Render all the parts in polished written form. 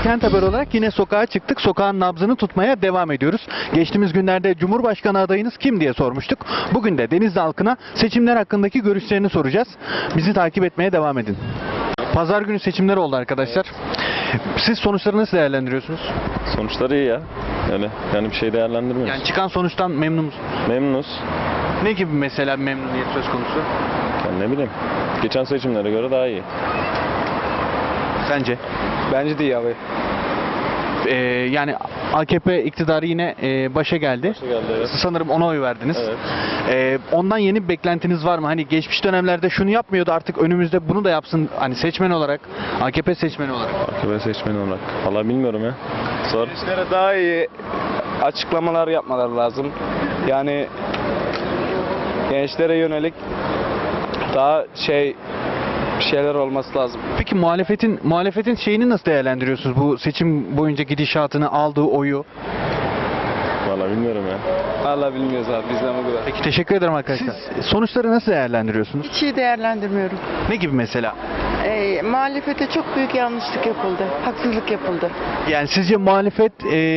Kent Haber olarak yine sokağa çıktık. Sokağın nabzını tutmaya devam ediyoruz. Geçtiğimiz günlerde Cumhurbaşkanı adayınız kim diye sormuştuk. Bugün de Denizli halkına seçimler hakkındaki görüşlerini soracağız. Bizi takip etmeye devam edin. Pazar günü seçimler oldu arkadaşlar. Siz sonuçları nasıl değerlendiriyorsunuz? Sonuçları iyi ya. Yani bir şey değerlendirmiyoruz. Yani çıkan sonuçtan memnun musunuz? Memnunuz. Ne gibi mesela bir memnuniyet söz konusu? Yani ne bileyim. Geçen seçimlere göre daha iyi. Sence? Bence de iyi abi. Yani AKP iktidarı yine başa geldi. Başa geldi, evet. Sanırım ona oy verdiniz. Evet. Ondan yeni bir beklentiniz var mı? Hani geçmiş dönemlerde şunu yapmıyordu, artık önümüzde bunu da yapsın. Hani seçmen olarak, AKP seçmeni olarak. AKP seçmeni olarak. Valla bilmiyorum ya. Sor. Gençlere daha iyi açıklamalar yapmaları lazım. Yani gençlere yönelik daha bir şeyler olması lazım. Peki muhalefetin şeyini nasıl değerlendiriyorsunuz? Bu seçim boyunca gidişatını, aldığı oyu. Valla bilmiyorum ya. Vallahi bilmiyoruz abi, bizden o kadar. Peki teşekkür ederim arkadaşlar. Siz sonuçları nasıl değerlendiriyorsunuz? Hiç iyi değerlendirmiyorum. Ne gibi mesela? Muhalefete çok büyük yanlışlık yapıldı. Haksızlık yapıldı. Yani sizce muhalefet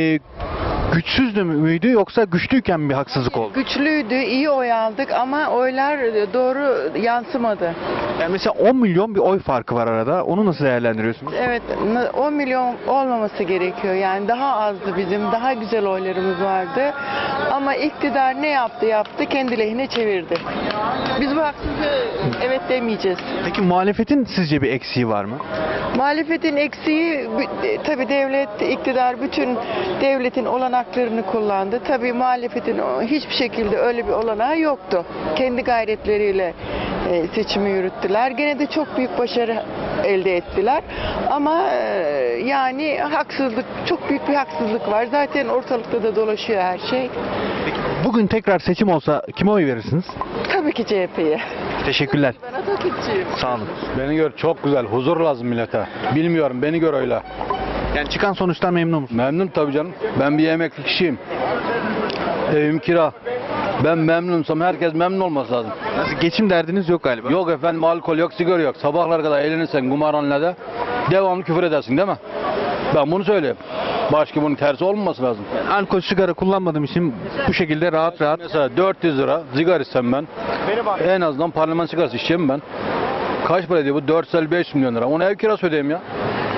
güçsüzdü müydü yoksa güçlüyken mi bir haksızlık oldu? Güçlüydü, iyi oy aldık ama oylar doğru yansımadı. Yani mesela 10 milyon bir oy farkı var arada. Onu nasıl değerlendiriyorsunuz? Evet, 10 milyon olmaması gerekiyor. Yani daha azdı bizim, daha güzel oylarımız vardı. Ama iktidar ne yaptı? Kendi lehine çevirdi. Biz bu haksızlığı evet demeyeceğiz. Peki muhalefetin sizce bir eksiği var mı? Muhalefetin eksiği, tabii devlet, iktidar bütün devletin olanaklarını kullandı. Tabii muhalefetin hiçbir şekilde öyle bir olanağı yoktu. Kendi gayretleriyle seçimi yürüttüler. Gene de çok büyük başarı elde ettiler. Ama yani haksızlık, çok büyük bir haksızlık var. Zaten ortalıkta da dolaşıyor her şey. Peki bugün tekrar seçim olsa kime oy verirsiniz? Tabii ki CHP'ye. Teşekkürler. Ben Atatürkçüyüm. Sağ olun. Beni gör çok güzel. Huzur lazım millete. Bilmiyorum, beni gör öyle. Yani çıkan sonuçtan memnun musunuz? Memnun tabii canım. Ben bir emekli kişiyim. Evim kira. Ben memnunsam herkes memnun olması lazım. Nasıl, geçim derdiniz yok galiba? Yok efendim, alkol yok, sigara yok. Sabahlar kadar eğlenirsen kumarhanede devamlı küfür edersin değil mi? Ben bunu söyleyeyim. Başka bunun tersi olmaması lazım. Alkol, sigara kullanmadığım için bu şekilde rahat rahat. Mesela 400 lira sigara içsem ben, en azından parlaman sigarası içeceğim ben. Kaç para ediyor bu? 455 milyon lira. Onu ev kirası ödeyeyim ya.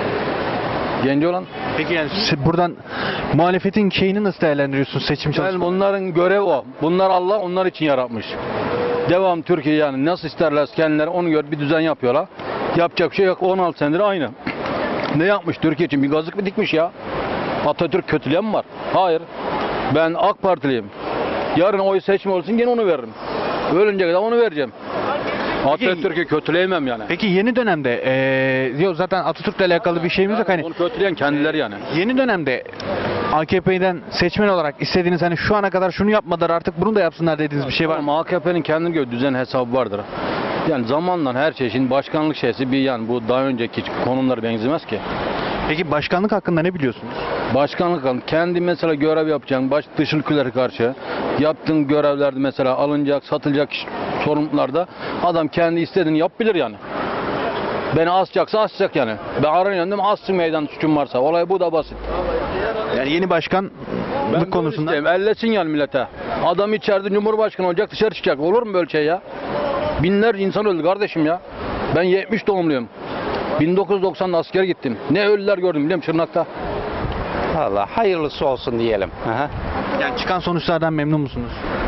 Genci olan. Peki yani buradan muhalefetin şeyini nasıl değerlendiriyorsunuz, seçim Ben çalışmalarını? onların görevi o. Bunlar Allah onlar için yaratmış. Devam Türkiye, yani nasıl isterlerse kendileri onu gör bir düzen yapıyorlar. Yapacak bir şey yok. 16 senedir aynı. Ne yapmış Türkiye için? Bir gazık mı dikmiş ya? Atatürk kötüleyen mi var? Hayır. Ben AK Partiliyim. Yarın oy seçme olsun yine onu veririm. Ölünce kadar onu vereceğim. Atatürk'ü kötüleyemem yani. Peki yeni dönemde yok zaten Atatürk'le alakalı bir şeyimiz yok. Hani Onu kötüleyen kendileri yani. yeni dönemde AKP'den seçmen olarak istediğiniz, hani şu ana kadar şunu yapmadılar artık bunu da yapsınlar dediğiniz bir şey var mı? Ama AKP'nin kendine göre düzen hesabı vardır. Yani zamanla her şey, şimdi başkanlık şeysi bir, yani bu daha önceki konumlara benzemez ki. Peki başkanlık hakkında ne biliyorsunuz? Başkanlık kendi mesela görev yapacaksın, dış ülkelere karşı yaptığın görevlerde mesela alınacak, satılacak sorumluluklarda adam kendi istediğini yapabilir yani. Beni asacaksa asacak yani. Ben aranıyorum, assın meydan suçum varsa. Olay bu da basit. Yani yeni başkanlık konusunda. Ellesin yani millete. Adam içeride Cumhurbaşkanı olacak, dışarı çıkacak. Olur mu böyle şey ya? Binlerce insan öldü kardeşim ya. Ben 70 doğumluyum. 1990'da askere gittim. Ne ölüler gördüm biliyor musun Şırnak'ta? Valla hayırlısı olsun diyelim. Aha. Yani çıkan sonuçlardan memnun musunuz?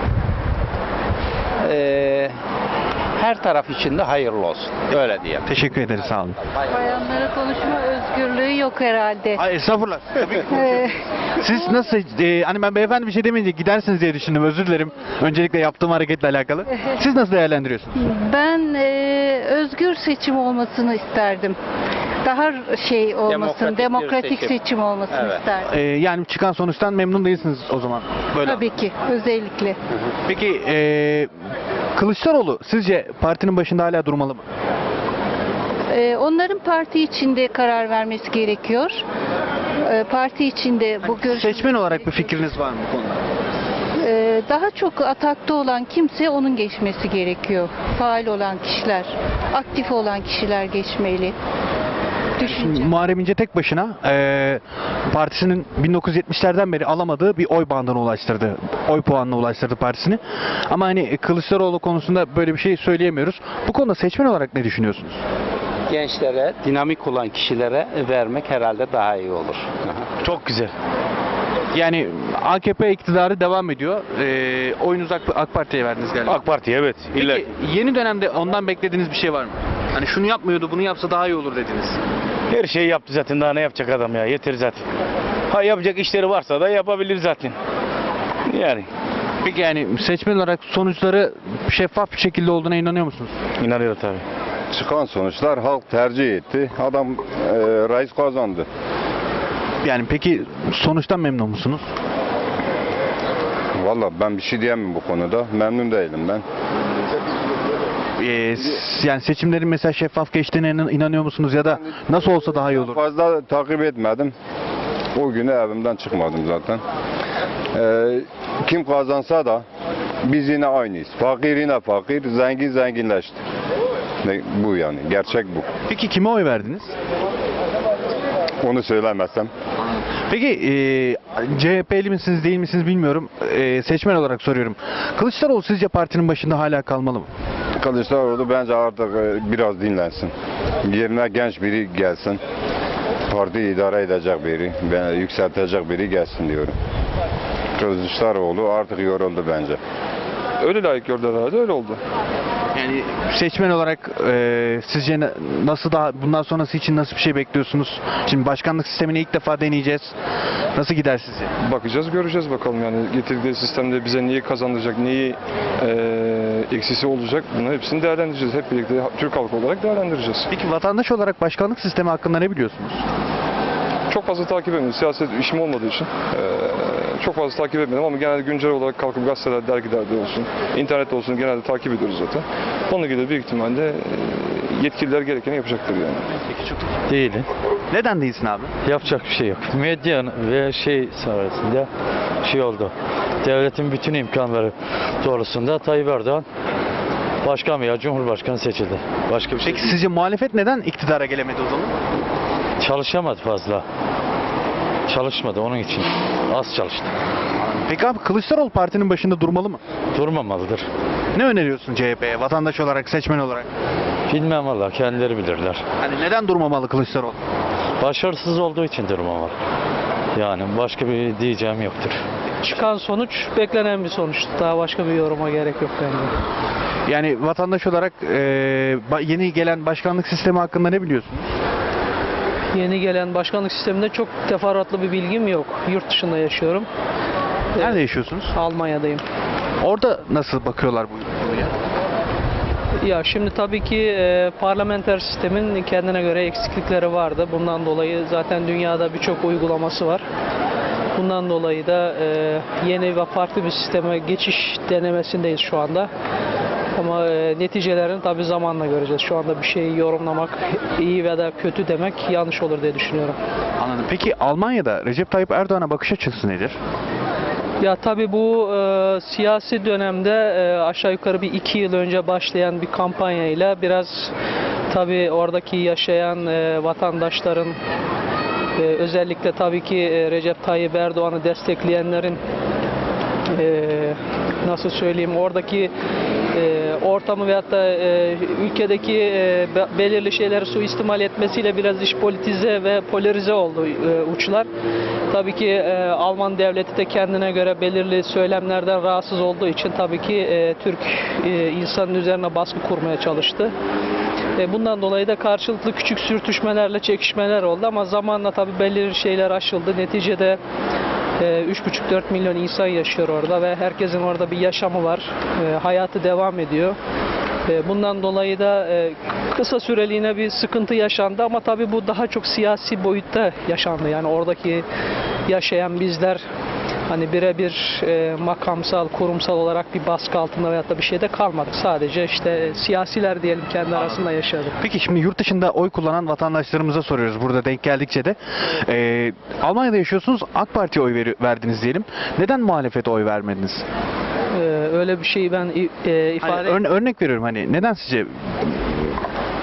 Her taraf için de hayırlı olsun. Öyle diyelim. Teşekkür ederiz, sağ olun. Bayanlara konuşma özgürlüğü yok herhalde. Ay estağfurullah. Tabii ki konuşuyoruz. Siz nasıl, hani ben beyefendi bir şey demeyince gidersiniz diye düşündüm, özür dilerim. Öncelikle yaptığım hareketle alakalı. Siz nasıl değerlendiriyorsunuz? Ben özgür seçim olmasını isterdim. Daha olmasın, demokratik seçim olmasını Evet. isterdim. Yani çıkan sonuçtan memnun değilsiniz o zaman. Böyle. Tabii ki, özellikle. Peki Kılıçdaroğlu sizce partinin başında hala durmalı mı? Onların parti içinde karar vermesi gerekiyor. Parti içinde bu görüş... Seçmen olarak bir fikriniz var mı bu konuda? Daha çok atakta olan kimse onun geçmesi gerekiyor. Faal olan kişiler, aktif olan kişiler geçmeli. Düşünce. Muharrem İnce tek başına partisinin 1970'lerden beri alamadığı bir oy bandına ulaştırdı. Oy puanına ulaştırdı partisini. Ama hani Kılıçdaroğlu konusunda böyle bir şey söyleyemiyoruz. Bu konuda seçmen olarak ne düşünüyorsunuz? Gençlere, dinamik olan kişilere vermek herhalde daha iyi olur. Çok güzel. Yani AKP iktidarı devam ediyor. Oyunuzu AK Parti'ye verdiniz galiba. AK Parti evet. Peki yeni dönemde ondan beklediğiniz bir şey var mı? Hani şunu yapmıyordu, bunu yapsa daha iyi olur dediniz. Her şeyi yaptı zaten, daha ne yapacak adam ya, yeter zaten. Ha, yapacak işleri varsa da yapabilir zaten. Yani Peki yani seçmen olarak sonuçları şeffaf bir şekilde olduğuna inanıyor musunuz? inanıyorum tabii. Çıkan sonuçlar halk tercih etti. Adam reis kazandı. Yani peki sonuçtan memnun musunuz? Vallahi ben bir şey diyemem bu konuda. Memnun değilim ben. Yani seçimlerin mesela şeffaf geçtiğine inanıyor musunuz ya da nasıl olsa daha iyi olur? Fazla takip etmedim. O günü evimden çıkmadım zaten. Kim kazansa da biz yine aynıyız. Fakir yine fakir, zengin zenginleşti. Bu yani, gerçek bu. Peki kime oy verdiniz? Onu söylemezsem. Peki CHP'li misiniz değil misiniz bilmiyorum. Seçmen olarak soruyorum. Kılıçdaroğlu sizce partinin başında hala kalmalı mı? Kılıçdaroğlu bence artık biraz dinlensin. Yerine genç biri gelsin. Parti idare edecek biri, yükseltecek biri gelsin diyorum. Kılıçdaroğlu artık yoruldu bence. Öyle layık gördüler herhalde, öyle oldu. Yani seçmen olarak sizce nasıl daha bundan sonrası için nasıl bir şey bekliyorsunuz? Şimdi başkanlık sistemini ilk defa deneyeceğiz. Nasıl gider sizce? Bakacağız, göreceğiz bakalım yani getirdiği sistemde bize neyi kazandıracak, neyi eksisi olacak, bunların hepsini değerlendireceğiz. Hep birlikte Türk halkı olarak değerlendireceğiz. Peki vatandaş olarak başkanlık sistemi hakkında ne biliyorsunuz? Çok fazla takip etmedim. Siyaset işim olmadığı için çok fazla takip etmedim ama genelde güncel olarak kalkıp gazeteler, dergilerde olsun, internette olsun genelde takip ediyoruz zaten. Onunla ilgili büyük ihtimalle yetkililer gerekeni yapacaktır yani. Değilim. Neden değilsin abi? Yapacak bir şey yok. Medya ve sayesinde oldu. Devletin bütün imkanları doğrusunda Tayyip Erdoğan başkan veya cumhurbaşkanı seçildi. Başka bir şey Peki değil. sizce muhalefet neden iktidara gelemedi o zaman? Çalışamadı fazla. Çalışmadı onun için. Az çalıştı. Peki abi Kılıçdaroğlu partinin başında durmalı mı? Durmamalıdır. Ne öneriyorsun CHP'ye vatandaş olarak, seçmen olarak? Bilmem valla, kendileri bilirler. Hani neden durmamalı Kılıçdaroğlu? Başarısız olduğu için durmamalı. Yani başka bir diyeceğim yoktur. Çıkan sonuç beklenen bir sonuç. Daha başka bir yoruma gerek yok bence. Yani vatandaş olarak yeni gelen başkanlık sistemi hakkında ne biliyorsunuz? Yeni gelen başkanlık sisteminde çok teferruatlı bir bilgim yok. Yurt dışında yaşıyorum. Nerede yaşıyorsunuz? Almanya'dayım. Orada nasıl bakıyorlar bu konuya? Ya şimdi tabii ki parlamenter sistemin kendine göre eksiklikleri vardı. Bundan dolayı zaten dünyada birçok uygulaması var. Bundan dolayı da yeni ve farklı bir sisteme geçiş denemesindeyiz şu anda. Ama neticelerini tabii zamanla göreceğiz. Şu anda bir şeyi yorumlamak, iyi veya kötü demek yanlış olur diye düşünüyorum. Anladım. Peki Almanya'da Recep Tayyip Erdoğan'a bakış açısı nedir? Ya tabii bu siyasi dönemde aşağı yukarı bir 2 yıl önce başlayan bir kampanyayla biraz tabii oradaki yaşayan vatandaşların özellikle tabii ki Recep Tayyip Erdoğan'ı destekleyenlerin nasıl söyleyeyim oradaki ortamı veyahut da ülkedeki belirli şeyleri suistimal etmesiyle biraz iş politize ve polarize oldu uçlar. Tabii ki Alman devleti de kendine göre belirli söylemlerden rahatsız olduğu için tabii ki Türk insanın üzerine baskı kurmaya çalıştı. Bundan dolayı da karşılıklı küçük sürtüşmelerle çekişmeler oldu ama zamanla tabii belirli şeyler aşıldı. Neticede 3,5-4 milyon insan yaşıyor orada ve herkesin orada bir yaşamı var. Hayatı devam ediyor. Bundan dolayı da kısa süreliğine bir sıkıntı yaşandı ama tabii bu daha çok siyasi boyutta yaşandı. Yani oradaki yaşayan bizler hani birebir makamsal, kurumsal olarak bir baskı altında veyahut da bir şeyde kalmadık. Sadece işte siyasiler diyelim kendi arasında yaşadık. Peki şimdi yurt dışında oy kullanan vatandaşlarımıza soruyoruz burada denk geldikçe de. Almanya'da yaşıyorsunuz, AK Parti'ye oy verdiniz diyelim. Neden muhalefete oy vermediniz? Öyle bir şeyi ben ifade Örnek veriyorum hani neden sizce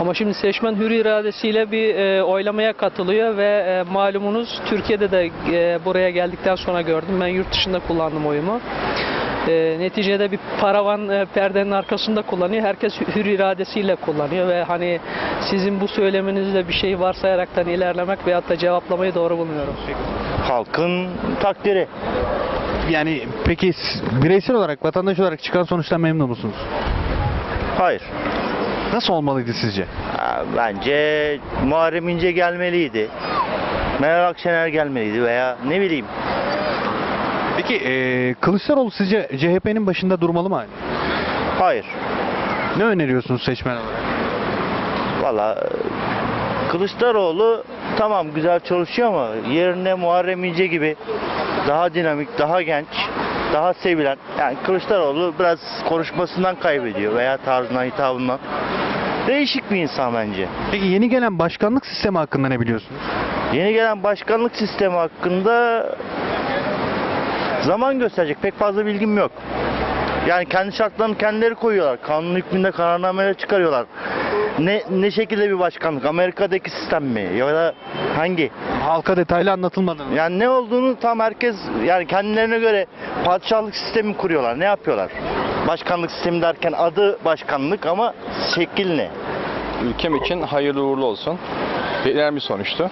Ama şimdi seçmen hür iradesiyle bir oylamaya katılıyor ve malumunuz Türkiye'de de buraya geldikten sonra gördüm. Ben yurt dışında kullandım oyumu. Neticede bir paravan perdenin arkasında kullanıyor. Herkes hür iradesiyle kullanıyor ve hani sizin bu söyleminizde bir şey varsayaraktan ilerlemek veyahut da cevaplamayı doğru bulmuyorum. Halkın takdiri. Yani peki bireysel olarak, vatandaş olarak çıkan sonuçtan memnun musunuz? Hayır. Nasıl olmalıydı sizce? Bence Muharrem İnce gelmeliydi. Meral Akşener gelmeliydi veya ne bileyim. Peki Kılıçdaroğlu sizce CHP'nin başında durmalı mı? Hayır. Ne öneriyorsunuz seçmen olarak? Valla Kılıçdaroğlu tamam güzel çalışıyor ama yerine Muharrem İnce gibi daha dinamik, daha genç, daha sevilen. Yani Kılıçdaroğlu biraz konuşmasından kaybediyor veya tarzından, hitabından. Değişik bir insan bence. Peki yeni gelen başkanlık sistemi hakkında ne biliyorsunuz? Yeni gelen başkanlık sistemi hakkında zaman gösterecek. Pek fazla bilgim yok. Yani kendi şartlarını kendileri koyuyorlar. Kanun hükmünde kararnameler çıkarıyorlar. Ne şekilde bir başkanlık? Amerika'daki sistem mi? Ya da hangi? Halka detaylı anlatılmadı mı? Yani ne olduğunu tam herkes yani kendilerine göre padişahlık sistemi kuruyorlar. Ne yapıyorlar? Başkanlık sistemi derken adı başkanlık ama şekil ne? Ülkem için hayırlı uğurlu olsun. Beklenen bir sonuçtu.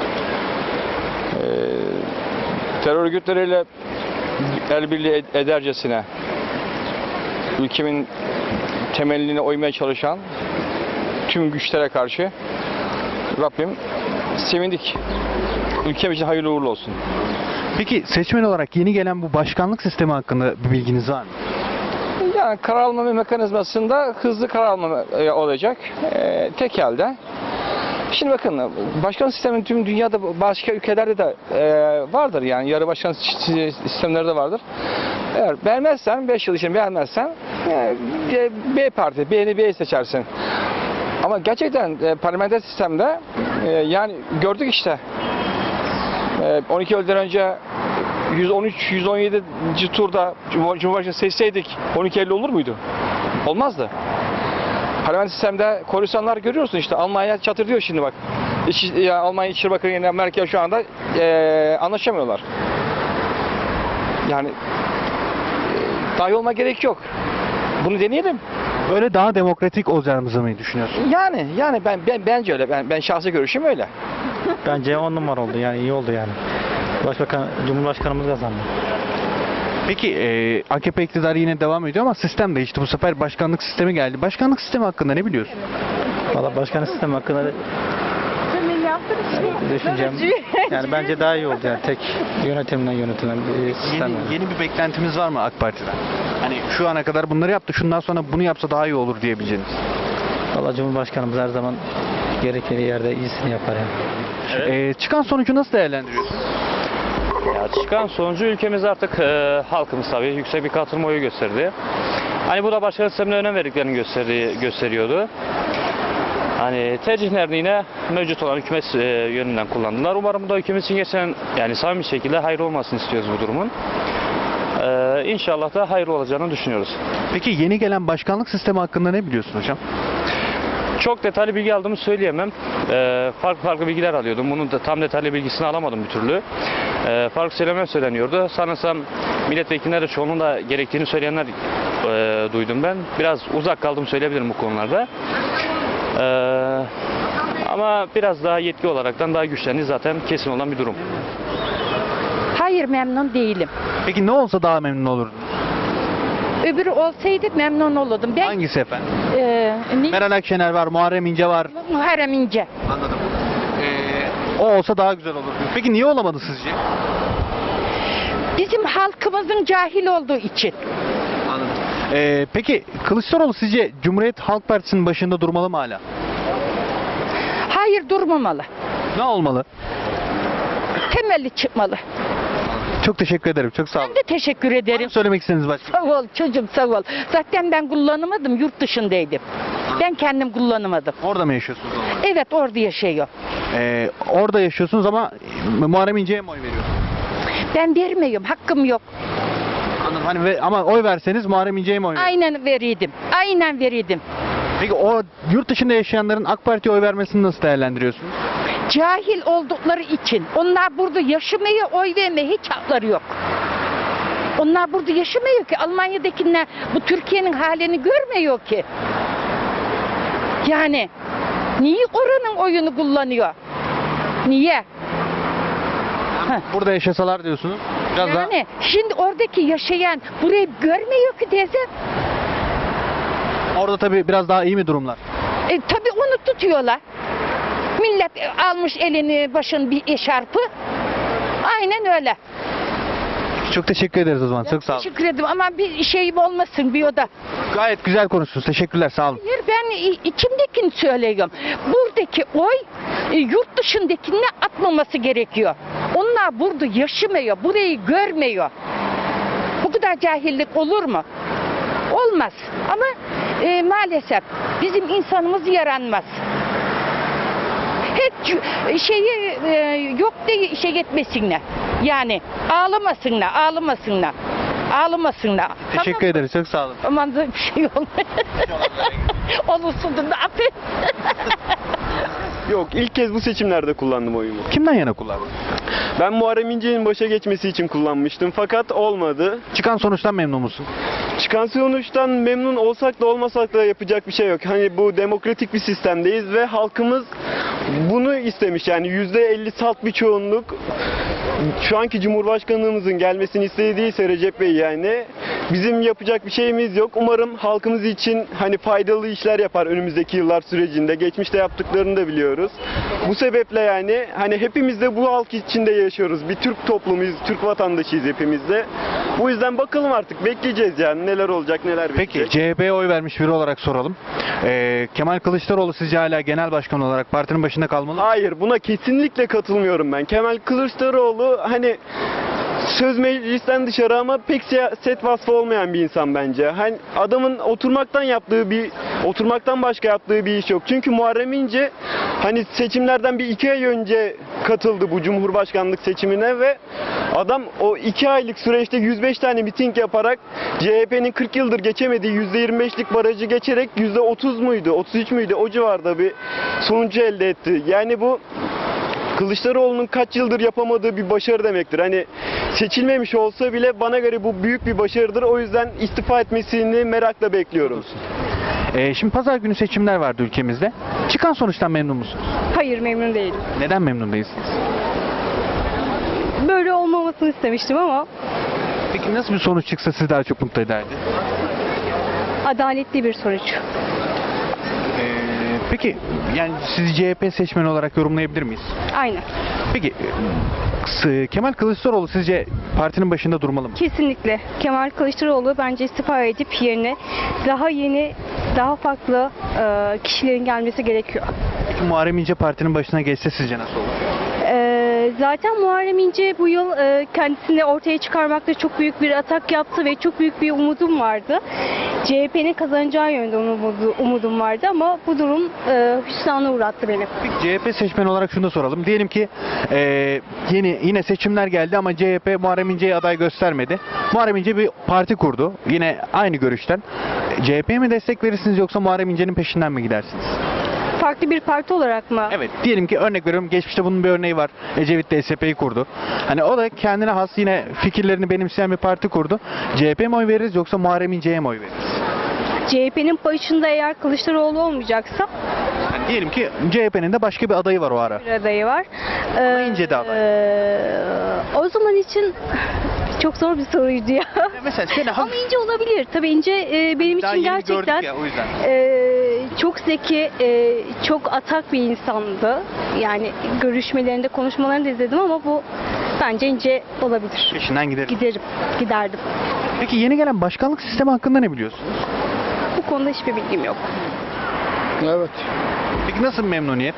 Terör örgütleriyle el birliği edercesine ülkemin temelini oymaya çalışan tüm güçlere karşı Rabbim sevindik. Ülkem için hayırlı uğurlu olsun. Peki seçmen olarak yeni gelen bu başkanlık sistemi hakkında bir bilginiz var mı? Yani karar alma mekanizmasında hızlı karar alma olacak. Tek elde. Şimdi bakın başkan sistemi tüm dünyada başka ülkelerde de vardır yani yarı başkan sistemleri de vardır. Eğer beğenmezsen 5 yıl için beğenmezsen B parti B'yi seçersin. Ama gerçekten parlamenter sistemde yani gördük işte 12 yıldan önce 113-117. turda Cumhurbaşkanı seçseydik 12 Eylül olur muydu? Olmazdı. Parlamenter sistemde koalisyonlar görüyorsun işte Almanya çatır diyor şimdi bak. Almanya İçişleri Bakanı ile Merkel şu anda anlaşamıyorlar. Yani dahi olma gerek yok. Bunu deneyelim. Böyle daha demokratik olacağımızı mı düşünüyorsun? Yani bence öyle. Ben şahsi görüşüm öyle. Bence 10 numara oldu yani iyi oldu yani. Cumhurbaşkanımız kazandı. Peki AKP iktidarı yine devam ediyor ama sistem değişti. Bu sefer başkanlık sistemi geldi. Başkanlık sistemi hakkında ne biliyorsun? Valla başkanlık sistemi hakkında düşüncem yani bence daha iyi oldu yani tek yönetimden yönetilen bir sistem. Yeni bir beklentimiz var mı AK Parti'den? Hani şu ana kadar bunları yaptı, şundan sonra bunu yapsa daha iyi olur diyebileceğiniz. Valla Cumhurbaşkanımız her zaman gerekli yerde iyisini yapar yani. Çıkan sonucu nasıl değerlendiriyorsun? Ya çıkan sonucu ülkemiz artık halkımız tabii yüksek bir katılım oyu gösterdi. Hani bu da başkan sistemine önem verdiklerini gösteriyordu. Hani tercihlerini yine mevcut olan hükümet yönünden kullandılar. Umarım bu da ülkemiz için geçen yani samimi bir şekilde hayır olmasını istiyoruz bu durumun. İnşallah da hayır olacağını düşünüyoruz. Peki yeni gelen başkanlık sistemi hakkında ne biliyorsun hocam? Çok detaylı bilgi aldığımı söyleyemem. Farklı bilgiler alıyordum. Bunun da tam detaylı bilgisini alamadım bir türlü. Farklı söylemler söyleniyordu. Sanırsam milletvekilleri de çoğunun da gerektiğini söyleyenler duydum ben. Biraz uzak kaldım söyleyebilirim bu konularda. Ama biraz daha yetki olaraktan daha güçlendi zaten kesin olan bir durum. Hayır memnun değilim. Peki ne olsa daha memnun olurdun? Öbürü olsaydı memnun olurdum. Ben, Hangisi efendim? Meral Akşener var, Muharrem İnce var. Muharrem İnce. Anladım. O olsa daha güzel olurdu. Peki niye olamadı sizce? Bizim halkımızın cahil olduğu için. Anladım. Peki Kılıçdaroğlu sizce Cumhuriyet Halk Partisi'nin başında durmalı mı hala? Hayır durmamalı. Ne olmalı? Temelli çıkmalı. Çok teşekkür ederim. Çok sağ olun. Ben de teşekkür ederim. Söylemek istediğiniz başka? Sağ ol çocuğum sağ ol. Zaten ben kullanamadım yurt dışındaydım. Ben kendim kullanamadım. Orada mı yaşıyorsunuz? Evet orada yaşıyor. Orada yaşıyorsunuz ama Muharrem İnce'ye mi oy veriyorsunuz? Ben vermiyorum hakkım yok. Anladım. Hani ama oy verseniz Muharrem İnce'ye mi oy veriyorsunuz? Aynen verirdim. Aynen verirdim. Peki o yurt dışında yaşayanların AK Parti'ye oy vermesini nasıl değerlendiriyorsunuz? Cahil oldukları için. Onlar burada yaşamaya, oy vermeye hiç hakları yok. Onlar burada yaşamıyor ki. Almanya'dakiler bu Türkiye'nin halini görmüyor ki. Yani niye oranın oyunu kullanıyor? Niye? Burada yaşasalar diyorsunuz. Biraz Yani şimdi oradaki yaşayan burayı görmüyor ki teyze. Orada tabii biraz daha iyi mi durumlar? Tabii onu tutuyorlar. Millet almış elini başın bir eşarpı. Aynen öyle. Çok teşekkür ederiz o zaman. Çok sağ olun. Teşekkür ederim ama bir şeyim olmasın bir oda. Gayet güzel konuştunuz. Teşekkürler. Sağ olun. Hayır ben içimdekini söylüyorum. Buradaki oy yurt dışındakine atmaması gerekiyor. Onlar burada yaşamıyor. Burayı görmüyor. Bu kadar cahillik olur mu? Olmaz. Ama maalesef bizim insanımız yaranmaz. Hiç şeyi yok diye şey etmesinler. Yani ağlamasınlar. Teşekkür ederiz. Çok sağ olun. Aman da bir şey olmaz. Olursun da affet. Yok, ilk kez bu seçimlerde kullandım oyumu. Kimden yana kullandın? Ben Muharrem İnce'nin başa geçmesi için kullanmıştım fakat olmadı. Çıkan sonuçtan memnun musun? Çıkan sonuçtan memnun olsak da olmasak da yapacak bir şey yok. Hani bu demokratik bir sistemdeyiz ve halkımız bunu istemiş. Yani %50 salt bir çoğunluk şu anki Cumhurbaşkanlığımızın gelmesini istediyse Recep Bey yani bizim yapacak bir şeyimiz yok. Umarım halkımız için hani faydalı işler yapar önümüzdeki yıllar sürecinde. Geçmişte yaptıklarını da biliyoruz. Bu sebeple yani hani hepimiz de bu halk içinde yaşıyoruz. Bir Türk toplumuyuz, Türk vatandaşıyız hepimiz de. Bu yüzden bakalım artık bekleyeceğiz yani neler olacak neler bitecek. Peki CHP'ye oy vermiş biri olarak soralım. Kemal Kılıçdaroğlu sizce hala genel başkan olarak partinin başında kalmalı mı? Hayır, buna kesinlikle katılmıyorum ben. Kemal Kılıçdaroğlu hani söz meclisten dışarı ama pek siyaset vasfı olmayan bir insan bence. Hani adamın oturmaktan başka yaptığı bir iş yok. Çünkü Muharrem İnce hani seçimlerden bir 2 ay önce katıldı bu Cumhurbaşkanlık seçimine ve adam o 2 aylık süreçte 105 tane miting yaparak CHP'nin 40 yıldır geçemediği %25'lik barajı geçerek %30 muydu, 33 müydü o civarda bir sonucu elde etti. Yani bu Kılıçdaroğlu'nun kaç yıldır yapamadığı bir başarı demektir. Hani seçilmemiş olsa bile bana göre bu büyük bir başarıdır. O yüzden istifa etmesini merakla bekliyorum. Şimdi pazar günü seçimler vardı ülkemizde. Çıkan sonuçtan memnun musunuz? Hayır, memnun değilim. Neden memnun değilsiniz? Böyle olmamasını istemiştim ama Peki nasıl bir sonuç çıksa sizi daha çok mutlu ederdi? adaletli bir sonuç. Peki yani sizi CHP seçmeni olarak yorumlayabilir miyiz? Aynen. Peki Kemal Kılıçdaroğlu sizce partinin başında durmalı mı? Kesinlikle. Kemal Kılıçdaroğlu bence istifa edip yerine daha yeni, daha farklı kişilerin gelmesi gerekiyor. Peki Muharrem İnce partinin başına geçse sizce nasıl olur? Zaten Muharrem İnce bu yıl kendisini ortaya çıkarmakta çok büyük bir atak yaptı ve çok büyük bir umudum vardı. CHP'nin kazanacağı yönde umudum vardı ama bu durum hüsrana uğrattı beni. Peki CHP seçmeni olarak şunu da soralım. Diyelim ki yine seçimler geldi ama CHP Muharrem İnce'ye aday göstermedi. Muharrem İnce bir parti kurdu. Yine aynı görüşten. CHP'ye mi destek verirsiniz yoksa Muharrem İnce'nin peşinden mi gidersiniz? Farklı bir parti olarak mı? Evet. Diyelim ki örnek veriyorum. Geçmişte bunun bir örneği var. Ecevit de SP'yi kurdu. Hani o da kendine has yine fikirlerini benimseyen bir parti kurdu. CHP'ye mi oy veririz yoksa Muharrem İnce'ye mi oy veririz? CHP'nin başında eğer Kılıçdaroğlu olmayacaksa Yani diyelim ki CHP'nin de başka bir adayı var o ara. bir adayı var. Ama İnce de aday. O zaman için çok zor bir soruydu ya. Mesela Ama İnce olabilir. Tabii İnce benim daha için yeni gerçekten gördük ya, o yüzden. çok zeki, çok atak bir insandı. Yani görüşmelerinde, konuşmalarını da izledim ama bu bence İnce olabilir. Peşinden giderim. Giderdim. Peki yeni gelen başkanlık sistemi hakkında ne biliyorsunuz? Bu konuda hiçbir bilgim yok. Evet. Peki nasıl bir memnuniyet?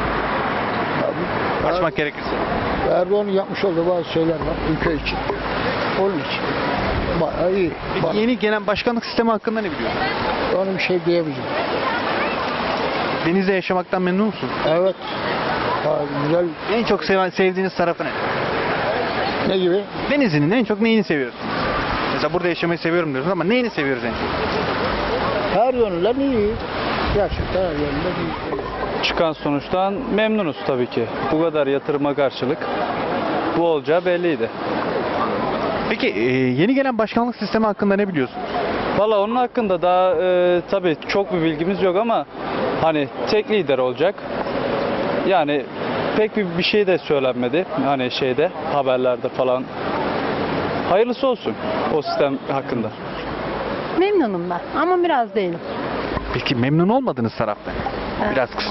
Açmak gerekirse. Erdoğan'ın yapmış olduğu bazı şeyler var ülke için. Onun için. Bayağı iyi. Peki yeni gelen başkanlık sistemi hakkında ne biliyorsunuz? Onu bir şey diyemeyeceğim. Denizde yaşamaktan memnun musunuz? Evet. Güzel. En çok sevdiğiniz tarafı ne? Ne gibi? Denizli'nin en çok neyini seviyorsunuz? Mesela burada yaşamayı seviyorum diyorsunuz ama neyini seviyoruz en çok? Her yönüyle iyi. Gerçekten her yerinde bir Çıkan sonuçtan memnunuz tabii ki. Bu kadar yatırıma karşılık bu olacağı belliydi. Peki yeni gelen başkanlık sistemi hakkında ne biliyorsunuz? Valla onun hakkında daha tabii çok bir bilgimiz yok ama hani tek lider olacak. Yani pek bir şey de söylenmedi. Hani şeyde haberlerde falan. Hayırlısı olsun o sistem hakkında. Memnunum ben ama biraz değilim. Peki memnun olmadığınız tarafta? Evet. Biraz kısa.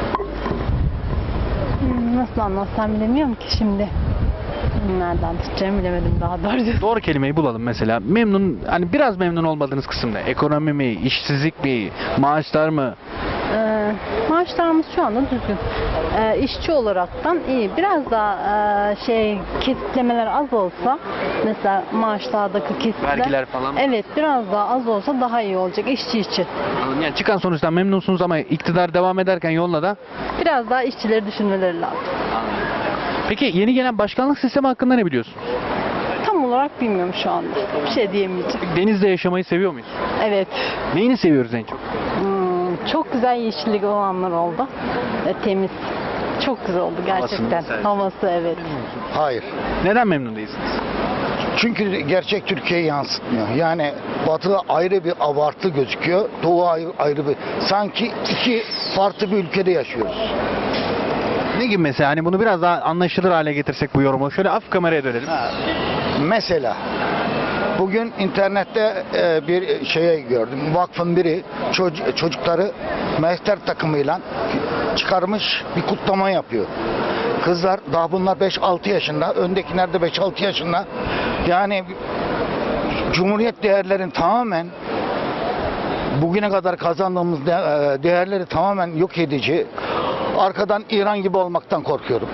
Nasıl anlatsam bilemiyorum ki şimdi. Nereden tutacağımı bilemedim daha doğrusu. Doğru kelimeyi bulalım mesela. Memnun, hani biraz memnun olmadığınız kısımda. Ekonomi mi, işsizlik mi, maaşlar mı? Maaşlarımız şu anda düzgün. İşçi olaraktan iyi. Biraz daha kesitlemeler az olsa, mesela maaşlardaki kesitler. Vergiler falan mı? Evet, biraz daha az olsa daha iyi olacak işçi için. Yani çıkan sonuçtan memnunsunuz ama iktidar devam ederken yoluna da. Biraz daha işçileri düşünmeleri lazım. Peki yeni gelen başkanlık sistemi hakkında ne biliyorsunuz? Tam olarak bilmiyorum şu anda. Bir şey diyemeyeceğim. Denizde yaşamayı seviyor muyuz? Evet. Neyini seviyoruz en çok? Çok güzel yeşillik olanlar oldu. Temiz. Çok güzel oldu gerçekten. güzel. Havası evet. Hayır. Neden memnun değilsiniz? Çünkü gerçek Türkiye'yi yansıtmıyor. Yani Batı ayrı bir abartı gözüküyor. Doğu ayrı bir. Sanki iki farklı bir ülkede yaşıyoruz. Ne gibi mesela? Hani bunu biraz daha anlaşılır hale getirsek bu yorumu. Şöyle af kameraya dönelim. Mesela bugün internette bir şeye gördüm. Vakfın biri çocukları mehter takımıyla çıkarmış bir kutlama yapıyor. Kızlar daha bunlar 5-6 yaşında, öndekiler de 5-6 yaşında. Yani Cumhuriyet değerlerin tamamen bugüne kadar kazandığımız değerleri tamamen yok edici. Arkadan İran gibi olmaktan korkuyorum.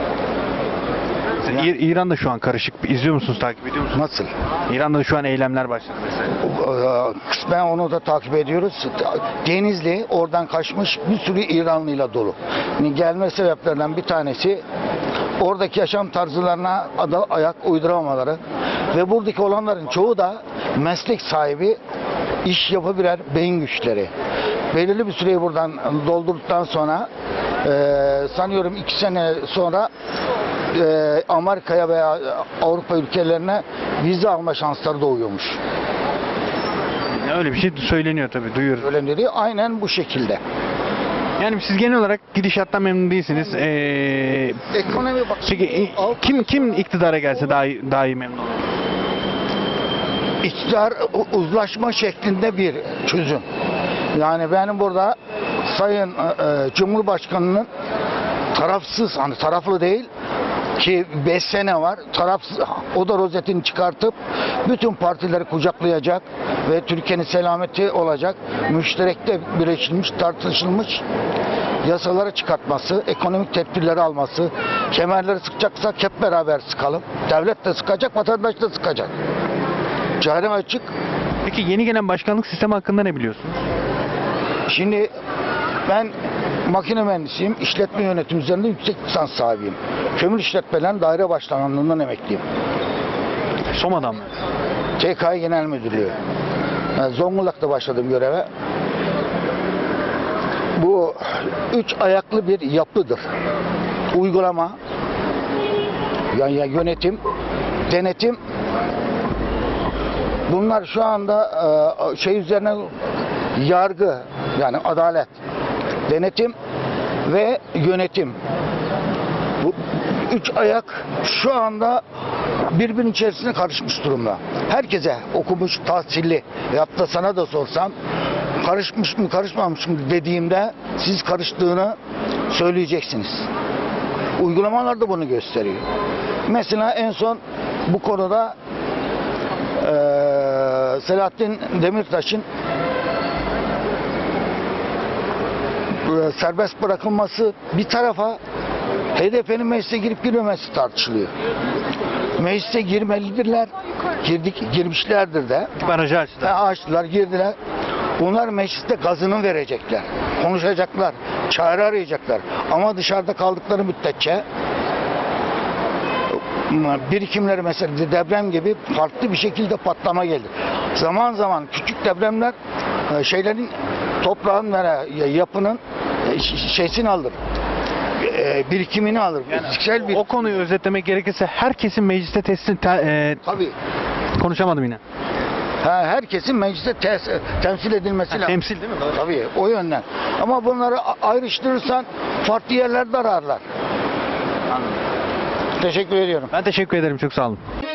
İran'da şu an karışık. İzliyor musunuz, takip ediyor musunuz? Nasıl? İran'da şu an eylemler başladı mesela. Kısmen onu da takip ediyoruz. Denizli oradan kaçmış bir sürü İranlıyla dolu. Yani gelme sebeplerinden bir tanesi oradaki yaşam tarzlarına ayak uyduramamaları ve buradaki olanların çoğu da meslek sahibi, iş yapabilen beyin güçleri. Belirli bir süreyi buradan doldurduktan sonra sanıyorum 2 sene sonra Amerika'ya veya Avrupa ülkelerine vize alma şansları doğuyormuş. Öyle bir şey söyleniyor tabii, duyuyoruz. Söyleniyor, aynen bu şekilde. Yani siz genel olarak gidişattan memnun değilsiniz. Ekonomi bak. Peki kim iktidara gelse daha iyi memnun olur? İktidar uzlaşma şeklinde bir çözüm. Yani benim burada Sayın Cumhurbaşkanı'nın tarafsız, hani taraflı değil ki 5 sene var, tarafsız, o da rozetini çıkartıp bütün partileri kucaklayacak ve Türkiye'nin selameti olacak, müşterekte birleşilmiş, tartışılmış yasaları çıkartması, ekonomik tedbirleri alması, kemerleri sıkacaksak hep beraber sıkalım. Devlet de sıkacak, vatandaş da sıkacak. Cahilem açık. Peki yeni gelen başkanlık sistemi hakkında ne biliyorsunuz? Şimdi ben makine mühendisiyim, işletme yönetimi üzerinde yüksek lisans sahibiyim. Kömür işletmelerin daire başkanlığından emekliyim. Soma'dan mı? TKİ Genel Müdürlüğü. Yani Zonguldak'ta başladım göreve. Bu 3 ayaklı bir yapıdır. Uygulama, yani yönetim, denetim. Bunlar şu anda şey üzerine yargı, yani adalet, denetim ve yönetim. Bu 3 ayak şu anda birbirinin içerisine karışmış durumda. Herkese okumuş, tahsilli, hatta sana da sorsam karışmış mı karışmamış mı dediğimde siz karıştığını söyleyeceksiniz. Uygulamalar da bunu gösteriyor. Mesela en son bu konuda Selahattin Demirtaş'ın serbest bırakılması bir tarafa, HDP'nin meclise girip girmemesi tartışılıyor. Meclise girmelidirler, girmişlerdir de. Barajı açtılar. Açtılar, girdiler. Bunlar mecliste gazını verecekler, konuşacaklar, çare arayacaklar. Ama dışarıda kaldıkları müddetçe birikimleri, mesela deprem gibi farklı bir şekilde patlama gelir. Zaman zaman küçük depremler şeylerin toprağın ve yapının şeysini alır. Birikimini alır. Fiziksel bir... O konuyu özetlemek gerekirse herkesin mecliste Tabii. konuşamadım yine. Herkesin mecliste temsil edilmesi lazım. Temsil değil mi? Doğru. Tabii o yönden. Ama bunları ayrıştırırsan farklı yerlerde ararlar. Anladım. Teşekkür ediyorum. Ben teşekkür ederim. Çok sağ olun.